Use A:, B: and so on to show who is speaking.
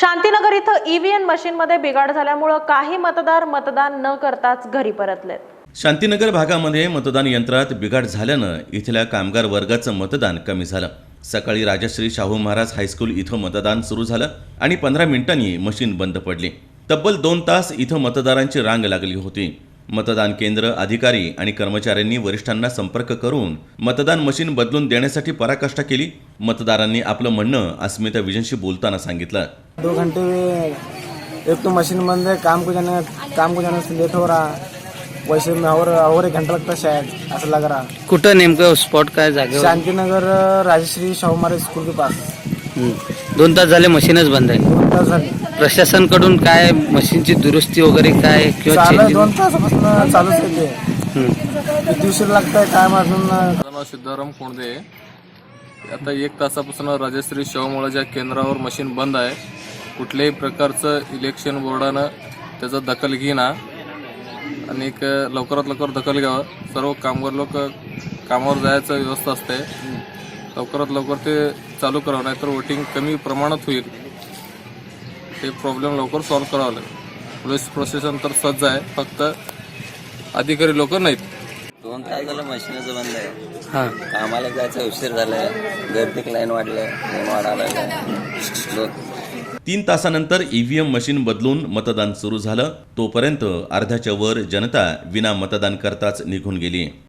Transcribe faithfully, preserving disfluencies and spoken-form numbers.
A: शांतीनगर इथं ईव्हीएम मशीनमध्ये बिघाड झाल्यामुळे काही मतदार मतदान न करताच घरी परतलेत।
B: शांतीनगर भागामध्ये मतदान यंत्रात बिघाड झाल्यानं इथल्या कामगार वर्गाचं मतदान कमी झालं। सकाळी राजश्री शाहू महाराज हायस्कूल इथं मतदान सुरू झालं आणि पंधरा मिनिटांनी मशीन बंद पडली। तब्बल दोन तास इथं मतदारांची रांग लागली होती। मतदान केंद्र अधिकारी आणि कर्मचाऱ्यांनी वरिष्ठांना संपर्क करून मतदान मशीन बदलून देण्यासाठी पराकाष्ठा केली। मतदारांनी आपलं म्हणणं अस्मिता विजयशी बोलताना सांगितलं।
C: दो घंटे एक तो मशीन बंद है, काम को जाने काम को जाने से लेट हो रहा, वैसे में और और एक घंटा लगता शायद, ऐसा लग रहा।
D: कुठं नेमकं स्पॉट काय जागेवर?
C: शांतीनगर राजश्री शाहू महाराज स्कूल के पास।
D: दोन तास झाले मशीनच बंद आहे।
C: दोन तास झाले।
D: प्रशासनकडून काय मशीनची दुरुस्ती वगैरे काय किंवा
C: चालू
D: चेंजिंग?
C: दोन तासापासून चालूच आहे ते। किती उशीर लागतंय काय अजून?
E: नाव सिद्धाराम कोंडदे। आता एक तासापासून राजश्री शाहू महाराज केंद्रावर मशीन बंद आहे। कुठल्याही प्रकारचं इलेक्शन बोर्डानं त्याचा दखल घेणा आणि एक लवकरात लवकर दखल घ्यावं। सर्व कामगार लोक कामावर जायचं व्यवस्था असते, लवकरात लवकर ते चालू करावं, नाहीतर वोटिंग कमी प्रमाणात होईल। ते प्रॉब्लेम लवकर सॉल्व्ह करावं लागेल। पोलीस प्रशासन तर सज्ज आहे, फक्त अधिकारी लोक नाहीत।
F: दोन तास झालं मशीनच बंद आहे।
D: हां,
F: कामाला जायचं उशीर झालाय, गर्दीक लाईन वाढलंय, लाईन वाढायला
B: तीन तासानंतर ईव्हीएम मशीन बदलून मतदान सुरू झालं। तोपर्यंत अर्ध्याच्या वर जनता विना मतदान करताच निघून गेली।